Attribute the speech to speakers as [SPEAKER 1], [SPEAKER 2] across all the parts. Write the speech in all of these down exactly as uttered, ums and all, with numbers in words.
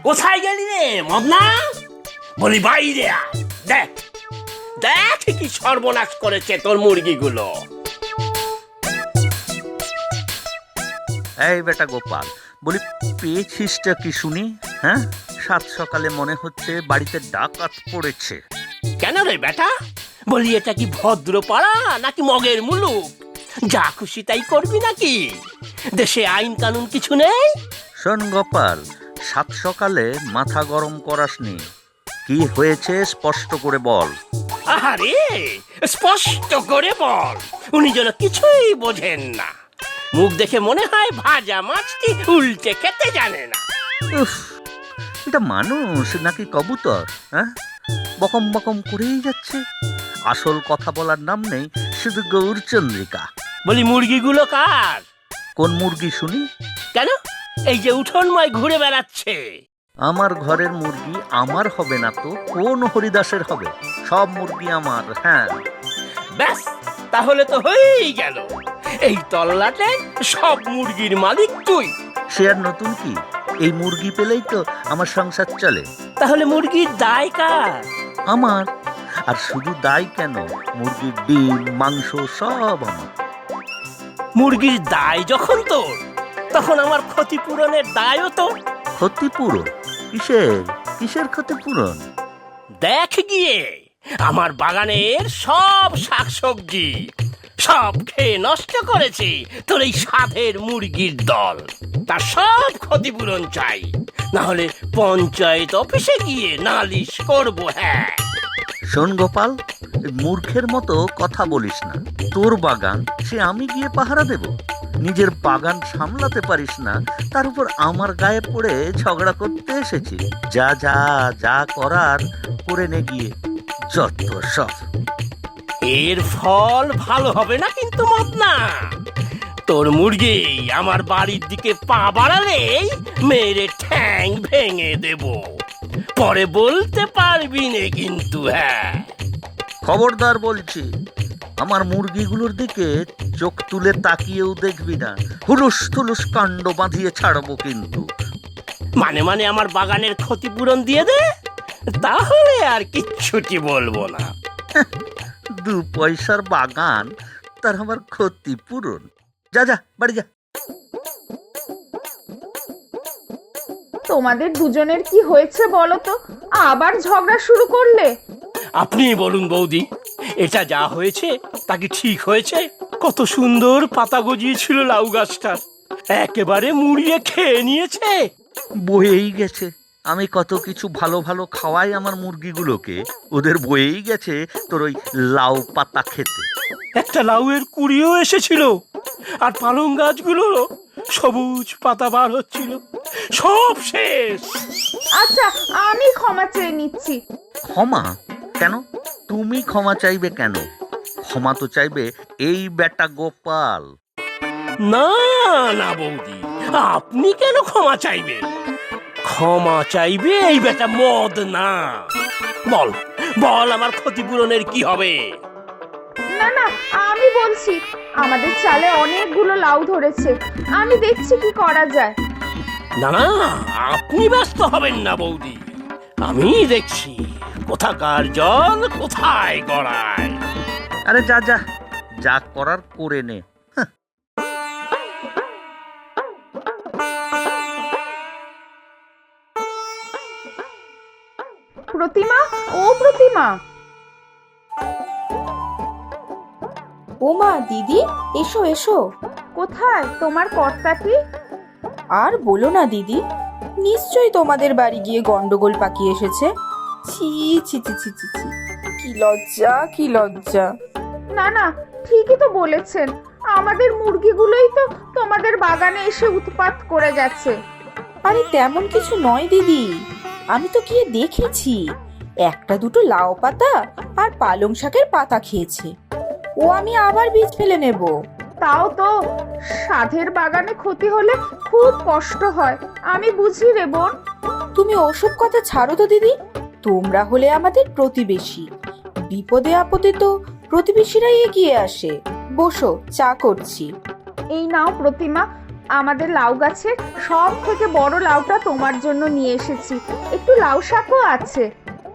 [SPEAKER 1] কোথায় গেলি রে মদনা? বলি বাইরে আয়। দেখ দেখ কি সর্বনাশ করেছে তোর মুরগিগুলো।
[SPEAKER 2] এই বেটা গোপাল, বলি পেয়েছিসটা কি শুনি? হ্যাঁ, সাত সকালে মনে হচ্ছে বাড়িতে ডাকাত পড়েছে।
[SPEAKER 1] কেন রে বেটা? বলি এটা কি ভদ্র পাড়া নাকি মগের মুলুক? যা খুশি তাই করবি নাকি? দেশে আইন কানুন কিছু নেই?
[SPEAKER 2] শোন গোপাল, সাত সকালে মাথা গরম করাসনি। কি হয়েছে স্পষ্ট করে বল।
[SPEAKER 1] আরে স্পষ্ট করে বল, উনি যেন কিছুই বোঝেন না। মুখ দেখে মনে হয় ভাজা মাছটি উল্টে খেতে জানে না।
[SPEAKER 2] উফ, এটা মানুষ নাকি কবুতর? হ্যাঁ, বকম বকম করেই যাচ্ছে। আসল কথা বলার নাম নেই, শুধু গৌরচন্দ্রিকা।
[SPEAKER 1] বলি মুরগিগুলো কার?
[SPEAKER 2] কোন মুরগি শুনি?
[SPEAKER 1] কেন, এই যে উঠোনময় ঘুরে বেড়াচ্ছে।
[SPEAKER 2] আমার ঘরের মুরগি আমার হবে না তো কোন হরিদাসের হবে? সব মুরগি আমার। হ্যাঁ,
[SPEAKER 1] ব্যাস, তাহলে তো হয়েই গেল। এই তল্লাটে সব মুরগির মালিক তুই।
[SPEAKER 2] সে আর নতুন কি? এই মুরগি পেলেই তো আমার সংসার চলে।
[SPEAKER 1] তাহলে মুরগির দায় কার?
[SPEAKER 2] আমার। আর শুধু দায় কেন, মুরগির ডিম মাংস সব আমার।
[SPEAKER 1] মুরগির দায় যখন তোর, তখন আমার ক্ষতিপূরণের দায়ও তো।
[SPEAKER 2] ক্ষতিপূরণ? কিসের কিসের ক্ষতিপূরণ?
[SPEAKER 1] দেখ গিয়ে, আমার বাগানের সব শাকসবজি সব খেয়ে নষ্ট করেছে তোর এই সাধের মুরগির দল। তার সব ক্ষতিপূরণ চাই, না হলে পঞ্চায়েত অফিসে গিয়ে নালিশ করব। হ্যাঁ,
[SPEAKER 2] শোন গোপাল, মূর্খের মতো কথা বলিস না। তোর বাগান সে আমি গিয়ে পাহারা দেব? নিজের বাগান সামলাতে পারিস না, তার উপর আমার গায়ে পড়ে ঝগড়া করতে এসেছি। যা যা যা করার করে নে গিয়ে, যত সব।
[SPEAKER 1] এর ফল ভালো হবে না কিন্তু মদনা। তোর মুরগি আমার বাড়ির দিকে পা বাড়ালেই মেরে ঠ্যাং ভেঙে দেব। পরে বলতে পারবি না কিন্তু। হ্যাঁ,
[SPEAKER 2] খবরদার বলছি, আমার মুরগিগুলোর দিকে চোখ তুলে তাকিয়েও দেখবি না। হুলুস থুলুস কাণ্ড বাঁধিয়ে ছাড়বো কিন্তু।
[SPEAKER 1] মানে মানে আমার বাগানের ক্ষতিপূরণ দিয়ে দে, তাহলে আর কিচ্ছুটি বলবো না।
[SPEAKER 2] দু পয়সার বাগান, তার আমার ক্ষতিপূরণ? যা যা বাড়ি যা।
[SPEAKER 3] তোমাদের দুজনের কি হয়েছে বলো তো? আবার ঝগড়া শুরু করলে?
[SPEAKER 1] আপনি বলুন বৌদি, এটা যা হয়েছে তা কি ঠিক হয়েছে? কত সুন্দর পাতা গজিয়েছিল লাউ গাছটা, একেবারে মুড়িয়ে খেয়ে নিয়েছে।
[SPEAKER 2] বয়েই গেছে। আমি কত কিছু ভালো ভালো খাওয়াই আমার মুরগিগুলোকে, ওদের বয়েই গেছে তোর ওই লাউ পাতা খেতে।
[SPEAKER 1] একটা লাউয়ের কুড়িও এসেছিল, আর পালং গাছগুলোর সবুজ পাতা বার হচ্ছিল। সব শেষ।
[SPEAKER 3] আচ্ছা, আমি ক্ষমা চেয়ে নিচ্ছি।
[SPEAKER 2] ক্ষমা কেন? তুমি ক্ষমা চাইবে কেন? ক্ষমা তো চাইবে এই বেটা গোপাল।
[SPEAKER 1] না না বৌদি, আপনি কেন ক্ষমা চাইবে? ক্ষমা চাইবে এই বেটা মদ না। বল বল, আমার ক্ষতিপূরণের কি হবে?
[SPEAKER 3] না না, আমি বলছি, আমাদের চালে অনেকগুলো লাউ ধরেছে, আমি দেখছি কি করা যায়।
[SPEAKER 1] না না, আপনি ব্যস্ত হবেন না বৌদি, আমি দেখছি কোথাকার জল কোথায় গড়ায়।
[SPEAKER 2] আরে যা যা, যা করার করে নে।
[SPEAKER 3] প্রতিমা, ও প্রতিমা।
[SPEAKER 4] ও মা, দিদি, এসো এসো।
[SPEAKER 3] কোথায় তোমার কর্তাটি?
[SPEAKER 4] আর বলো না দিদি, নিশ্চয়ই তোমাদের বাড়ি গিয়ে গন্ডগোল পাকিয়ে এসেছে। ছি ছি ছি ছি ছি ছি, কি লজ্জা কি লজ্জা।
[SPEAKER 3] না না, ঠিকই তো বলেছেন, আমাদের মুরগিগুলোই তো তোমাদের বাগানে এসে উৎপাত করে গেছে।
[SPEAKER 4] আরে তেমন কিছু নয় দিদি, আমি তো গিয়ে দেখেছি, একটা দুটো লাউ পাতা আর পালং শাকের পাতা খেয়েছে। ও আমি আবার বীজ ফেলে নেব।
[SPEAKER 3] তাও তো সাধের বাগানে ক্ষতি হলে খুব কষ্ট হয়, আমি বুঝি রে বোন।
[SPEAKER 4] তুমি ওসব কথা ছাড়ো তো দিদি, তোমরা হলে আমাদের প্রতিবেশী, বিপদে আপদে তো প্রতিবেশীরাই এগিয়ে আসে। বসো, চা করছি।
[SPEAKER 3] এই নাও প্রতিমা, আমাদের লাউ গাছের সব থেকে বড় লাউটা তোমার জন্য নিয়ে এসেছি, একটু লাউ শাকও আছে।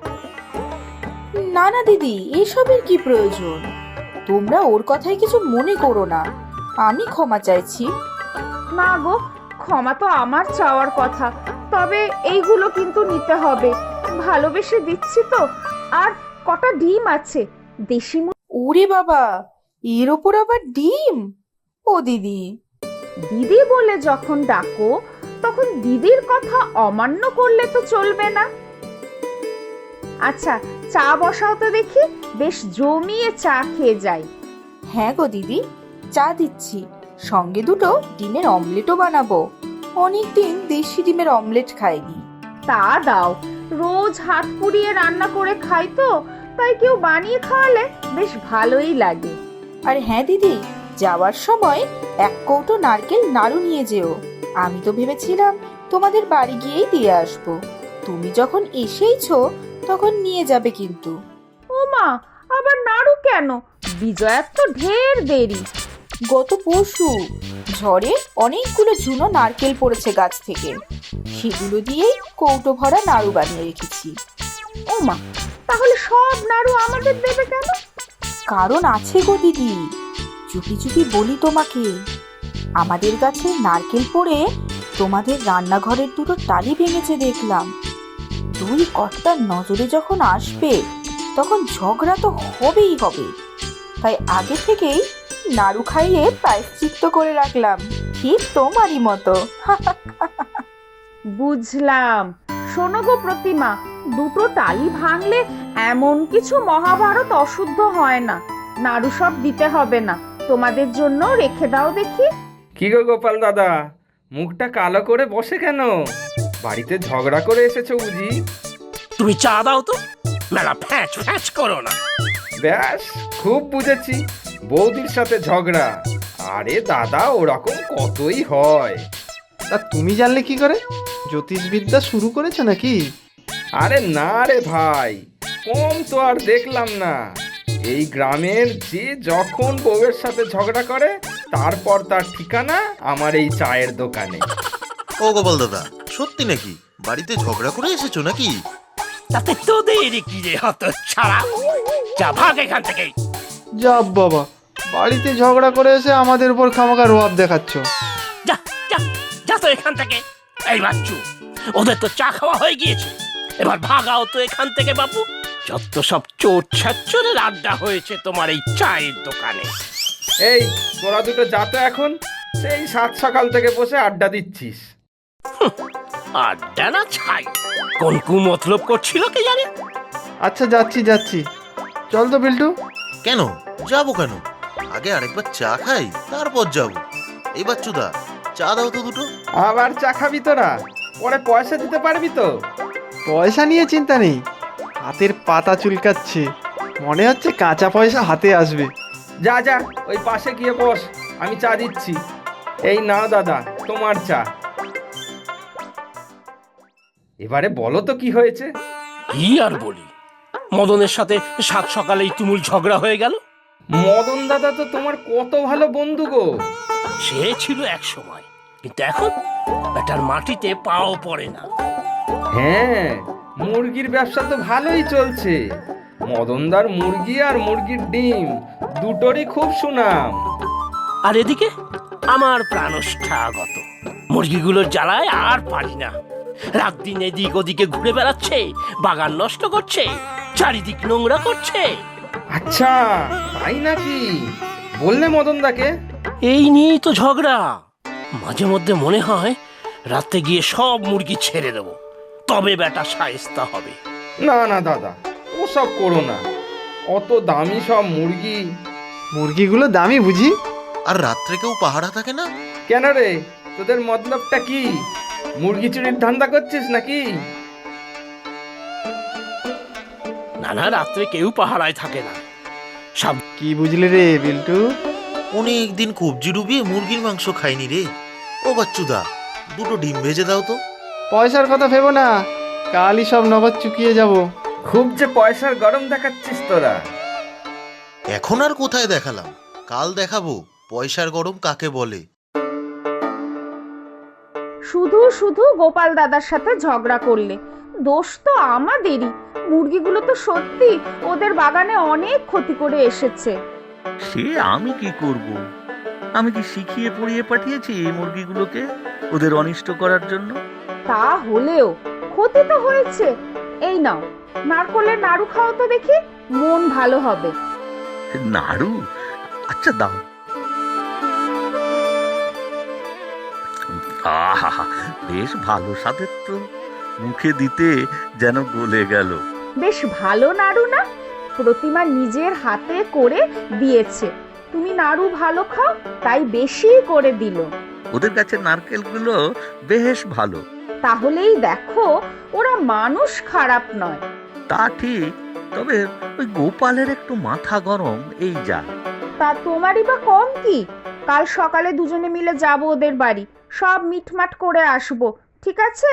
[SPEAKER 4] না না দিদি, এসবের কি প্রয়োজন? তোমরা ওর কথায় কিছু মনে করো না, আমি ক্ষমা চাইছি।
[SPEAKER 3] না গো, ক্ষমা তো আমার চাওয়ার কথা, তবে এইগুলো কিন্তু নিতে হবে, ভালোবেসে দিচ্ছি তো। আর কটা ডিম আছে, দেশি মুরগি।
[SPEAKER 4] ওরে বাবা, এর ওপর আবার ডিম! ও দিদি,
[SPEAKER 3] দিদি বলে যখন ডাকো তখন দিদির কথা অমান্য করলে তো চলবে না। আচ্ছা, চা বসাও তো দেখি, বেশ জমিয়ে চা খেয়ে যাই।
[SPEAKER 4] হ্যাঁ গো দিদি, চা দিচ্ছি, সঙ্গে দুটো ডিমের অমলেটও বানাবো। অনেকদিন দেশি ডিমের অমলেট খাইনি।
[SPEAKER 3] তা দাও, রোজ হাত পুড়িয়ে রান্না করে খাই তো, তাই কেউ বানিয়ে খাওয়ালে বেশ ভালোই লাগে।
[SPEAKER 4] আর হ্যাঁ দিদি, যাওয়ার সময় এক কৌটো নারকেল নাড়ু নিয়ে যেও। আমি তো ভেবেছিলাম তোমাদের বাড়ি গিয়েই দিয়ে আসবো, তুমি যখন এসেইছো তখন নিয়ে যাবে কিন্তু।
[SPEAKER 3] ও মা, আবার নাড়ু কেন? বিজয়ার তো ঢের দেরি।
[SPEAKER 4] গত পরশু ঝড়ে অনেকগুলো ঝুনো নারকেল পড়েছে গাছ থেকে, সেগুলো দিয়েই কৌটো ভরা নাড়ু বানিয়ে রেখেছি।
[SPEAKER 3] ও মা, তাহলে সব নাড়ু আমাদের দেবে কেন?
[SPEAKER 4] কারণ আছে গো দিদি, চুপি চুপি বলি তোমাকে। আমাদের গাছে নারকেল পড়ে তোমাদের রান্নাঘরের দুটো টালি ভেঙেছে দেখলাম। দুই কর্তার নজরে যখন আসবে তখন ঝগড়া তো হবেই হবে, তাই আগে থেকেই নাড়ু খাইয়ে প্রায়শ্চিত্ত করে রাখলাম, ঠিক তোমারই মতো।
[SPEAKER 3] বুঝলাম। শোনো গো প্রতিমা, দুটো টালি ভাঙলে এমন কিছু মহাভারত অশুদ্ধ হয় না, নাড়ু সব দিতে হবে না, তোমাদের জন্য রেখে দাও দেখি।
[SPEAKER 5] কি গো গোপাল দাদা, মুখটা কালো করে বসে কেন? বাড়িতে ঝগড়া করে এসেছো বুঝি?
[SPEAKER 1] তুমি চা দাও তো, মেলা ফ্যাচ ফ্যাচ করো না।
[SPEAKER 5] ব্যাস, খুব বুঝেছি, বৌদির সাথে ঝগড়া। আরে দাদা, ওরকম কতই হয়।
[SPEAKER 6] তা তুমি জানলে কি করে? জ্যোতিষবিদ্যা শুরু করেছো নাকি?
[SPEAKER 5] আরে না রে ভাই, কম তো আর দেখলাম না। এই গ্রামের যে যখন বউয়ের সাথে ঝগড়া করে, তারপর তার ঠিকানা আমার এই চায়ের দোকানে।
[SPEAKER 7] ও গোপাল দাদা, সত্যি নাকি বাড়িতে ঝগড়া করে এসেছো নাকি?
[SPEAKER 1] তাতে তোদের কি রে হত ছাড়া, যা ভাগ এখান থেকে।
[SPEAKER 6] যা বাবা, বাড়িতে ঝগড়া করে এসে আমাদের উপর খামাখা রোয়াব দেখাচ্ছ।
[SPEAKER 1] যা যা যা তো এখান থেকে। এই বাচ্চু, ওদের তো চা খাওয়া হয়ে গিয়েছে, এবার ভাগাও তো এখান থেকে বাপু। যত সব চোর ছাচ্চরের আড্ডা হয়েছে তোমার এই চায়ের দোকানে।
[SPEAKER 5] এই তোরা দুটো যা তো এখন, সেই সাত সকাল থেকে বসে আড্ডা দিচ্ছিস।
[SPEAKER 1] আড্ডা না ছাই, কোন কু মতলব করছিল কে জানে।
[SPEAKER 6] আচ্ছা, যাচ্ছি যাচ্ছি, চল তো বিল্টু।
[SPEAKER 7] কেন যাবো কেন? আগে আরেকবার চা খাই, তারপর যাবো। এই বাচ্চুদা, চা দাও তো দুটো।
[SPEAKER 5] আবার চা খাবি তোরা? পরে পয়সা দিতে পারবি তো?
[SPEAKER 6] পয়সা নিয়ে চিন্তা নেই, হাতের পাতা চুলকাচ্ছে, মনে হচ্ছে কাঁচা পয়সা হাতে আসবে।
[SPEAKER 5] যা যা, ওই পাশে গিয়ে বস, আমি চা দিচ্ছি। এই নাও দাদা, তোমার চা। এবারে বলো তো কি হয়েছে?
[SPEAKER 1] কি আর বলি, মদনের সাথে সাত সকালেই তুমুল ঝগড়া হয়ে গেল।
[SPEAKER 5] মদন দাদা তো তোমার কত ভালো বন্ধু গো।
[SPEAKER 1] সে ছিল এক সময়, কিন্তু এখন বেটার মাটিতে পাও পড়ে না।
[SPEAKER 5] হ্যাঁ, মুরগির ব্যবসা তো ভালোই চলছে। মদনদার মুরগি আর মুরগির ডিম দুটোরই খুব সুনাম।
[SPEAKER 1] আর এদিকে আমার প্রাণষ্ঠাগত মুরগিগুলোর জ্বালায় আর পারি না। রাত দিন এদিক ওদিকে ঘুরে বেড়াচ্ছে, বাগান নষ্ট করছে, চারিদিক নোংরা করছে।
[SPEAKER 5] আচ্ছা, তাই নাকি? বললে মদনদাকে?
[SPEAKER 1] এই নিয়েই তো ঝগড়া। মাঝে মধ্যে মনে হয় রাতে গিয়ে সব মুরগি ছেড়ে দেবো, তবে বেটা শায়েস্তা হবে।
[SPEAKER 5] না না দাদা, ওসব করো না, অত দামি সব মুরগি।
[SPEAKER 6] মুরগিগুলো দামি বুঝি?
[SPEAKER 7] আর রাত্রে কেউ পাহারা থাকে না?
[SPEAKER 5] কেন রে, তোদের মতলবটা কি? মুরগি চুরির ধান্দা করছিস নাকি?
[SPEAKER 1] না না, রাত্রে কেউ পাহারায় থাকে না। সব
[SPEAKER 6] কি বুঝলি রে বিল্টু?
[SPEAKER 7] অনেক দিন কবজি ডুবিয়ে মুরগির মাংস খাইনি রে। ও বাচ্চুদা, দুটো ডিম ভেজে দাও তো।
[SPEAKER 6] পয়সার কথা ভেবো না, কালই সব নগদ চুকিয়ে যাব।
[SPEAKER 5] খুব যে পয়সার গরম দেখাচ্ছিস তোরা।
[SPEAKER 7] এখন আর কোথায় দেখালাম, কাল দেখাবো পয়সার গরম কাকে বলে।
[SPEAKER 3] শুধু শুধু গোপাল দাদার সাথে ঝগড়া করলে। দোষ তো আমাদেরই। মুরগিগুলো তো সত্যি ওদের বাগানে অনেক ক্ষতি করে এসেছে।
[SPEAKER 2] সে আমি কি করব? আমি কি শিখিয়ে পড়িয়ে পাঠিয়েছি এই মুরগিগুলোকে ওদের অনিষ্ট করার জন্য?
[SPEAKER 3] তা হলেও ক্ষতি তো হয়েছে। এই নাও, নারকলের নাড়ু খাও তো দেখি, মন ভালো হবে।
[SPEAKER 2] নাড়ু? আচ্ছা দাও। আহা, বেশ ভালো স্বাদের তো, মুখে দিতে যেন গলে গেল।
[SPEAKER 3] বেশ ভালো নাড়ু না? প্রতিমা নিজের হাতে করে দিয়েছে। তুমি নাড়ু ভালো খাও তাই বেশি করে দিল।
[SPEAKER 2] ওদের কাছে নারকেলগুলো বেশ ভালো।
[SPEAKER 3] তাহলেই দেখো ওরা মানুষ খারাপ নয়।
[SPEAKER 2] তা ঠিক, তবে ওই গোপালের একটু মাথা গরম, এই যা।
[SPEAKER 3] তা তোমারই বা কম কি? কাল সকালে দুজনে মিলে যাব ওদের বাড়ি, সব মিটমাট করে আসবো, ঠিক আছে?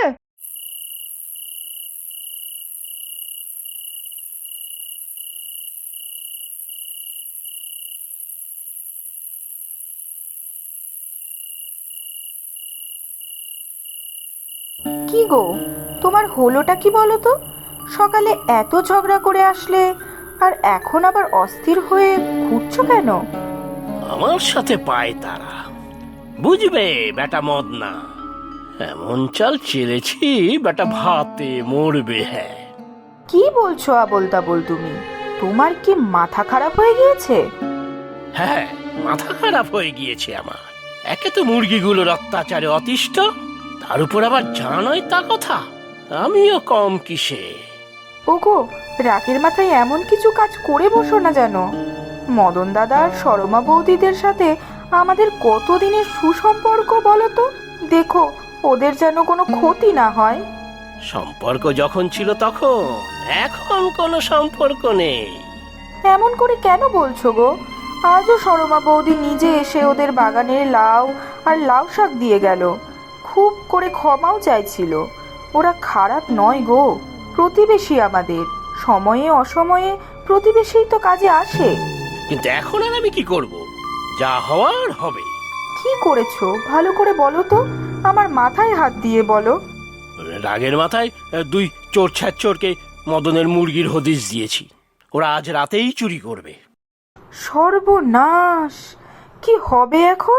[SPEAKER 4] কি গো, তোমার হলোটা কি বলো তো? সকালে এত ঝগড়া করে আসলে আর এখন আবার অস্থির হয়ে ঘুরছো কেন?
[SPEAKER 1] আমার সাথে পায় তারা, বুঝবে বেটা মদ না। এমন চাল চেলেছি বেটা ভাতে মরবে। হ্যাঁ,
[SPEAKER 4] কি বলছো আবোল তাবোল তুমি? তোমার কি মাথা খারাপ হয়ে গিয়েছে?
[SPEAKER 1] হ্যাঁ, মাথা খারাপ হয়ে গিয়েছে আমার। একে তো মুরগিগুলোর অত্যাচারে অতিষ্ঠ, তার উপর আবার জানোই তা কথা, আমিও কম কিসে।
[SPEAKER 4] ওগো, রাগের মাথায় এমন কিছু কাজ করে বসো না যেন। মদন দাদা আর সরমা বৌদিদের সাথে আমাদের কতদিনের সুসম্পর্ক বলো তো? দেখো ওদের যেন কোনো ক্ষতি না হয়।
[SPEAKER 1] সম্পর্ক যখন ছিল তখন, এখন কোনো সম্পর্ক নেই।
[SPEAKER 4] এমন করে কেন বলছো গো? আজও সরমা বৌদি নিজে এসে ওদের বাগানের লাউ আর লাউ শাক দিয়ে গেল, খুব করে ক্ষমাও চাইছিল। ওরা খারাপ নয় গো, প্রতিবেশী আমাদের। সময়ে অসময়ে প্রতিবেশী তো কাজে আসে।
[SPEAKER 1] কিন্তু এখন আর আমি কি করব? যা হওয়ার হবে।
[SPEAKER 4] কি করেছো ভালো করে বলো তো, আমার মাথায় হাত দিয়ে বলো।
[SPEAKER 1] রাগের মাথায় দুই চোর ছ্যাচোরকে মদনের মুরগির হদিশ দিয়েছি, ওরা আজ রাতেই চুরি করবে।
[SPEAKER 4] সর্বনাশ! কি হবে এখন?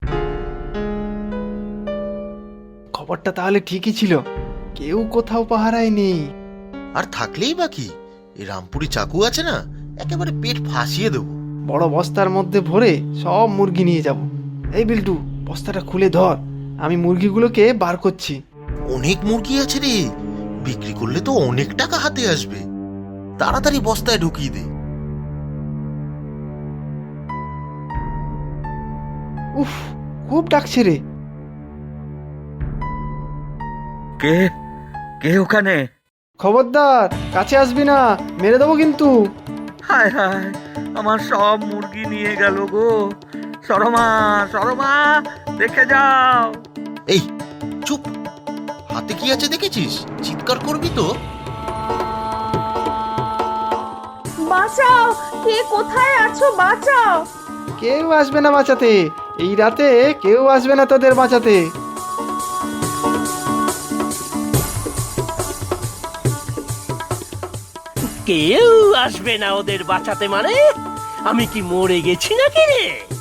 [SPEAKER 6] খবরটা তাহলে ঠিকই ছিল, কেউ কোথাও পাহারায় নেই।
[SPEAKER 7] আর থাকলেই বা কি, এই রামপুরি চাকু আছে না, একেবারে পেট ফাঁসিয়ে দেবো।
[SPEAKER 6] বড় বস্তার মধ্যে ভরে সব মুরগি নিয়ে যাব। এই বিল্টু, বস্তাটা খুলে ধর, আমি মুরগিগুলোকে বার করছি।
[SPEAKER 7] অনেক মুরগি আছে রে, বিক্রি করলে তো অনেক টাকা হাতে আসবে। তাড়াতাড়ি বস্তায় ঢুকিয়ে দে।
[SPEAKER 6] উফ, খুব ডাকছে রে।
[SPEAKER 2] কে কে ওখানে?
[SPEAKER 6] খবরদার কাছে আসবি না, মেরে দেবো কিন্তু।
[SPEAKER 2] হায় হায়, আমার সব মুরগি নিয়ে গেল গো। সরমা, সরমা, দেখে যাও।
[SPEAKER 7] এই চুপ, হাতে কি আছে দেখেছিস? চিৎকার করবি তো।
[SPEAKER 3] বাঁচাও, কে কোথায় আছো? বাঁচাও।
[SPEAKER 6] কেউ আসবে না বাঁচাতে, এই রাতে কেউ আসবে না তোদের বাঁচাতে।
[SPEAKER 1] কেউ আসবে না ওদের বাঁচাতে মানে? আমি কি মরে গেছি নাকি রে?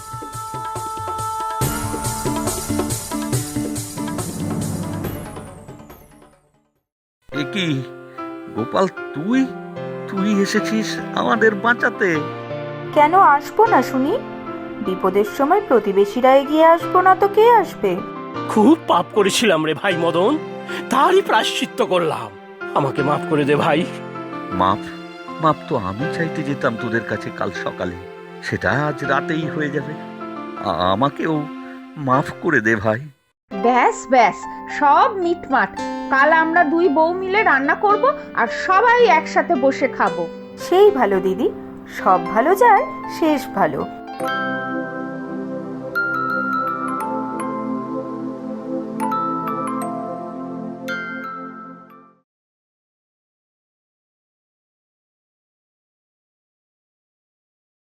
[SPEAKER 2] এ কি গোপাল, তুই তুই এসেছিস আমাদের বাঁচাতে?
[SPEAKER 4] কেন আসবো না শুনি? বিপদের সময় প্রতিবেশীরা এগিয়ে আসবো না তো কে আসবে?
[SPEAKER 1] খুব পাপ করেছিলাম রে ভাই মদন, তারই প্রায়শ্চিত্ত করলাম। আমাকে মাফ করে দে ভাই।
[SPEAKER 2] মাপ মাপ তো আমি চাইতে যেতাম তোদের কাছে কাল সকালে, সেটা আজ রাতেই হয়ে যাবে। আ- আমাকেও মাফ করে দে ভাই।
[SPEAKER 3] ব্যাস ব্যাস, সব মিটমাট। কাল আমরা দুই বউ মিলে রান্না করব আর সবাই একসাথে বসে খাবো।
[SPEAKER 4] সেই ভালো দিদি, সব ভালো যায় শেষ ভালো।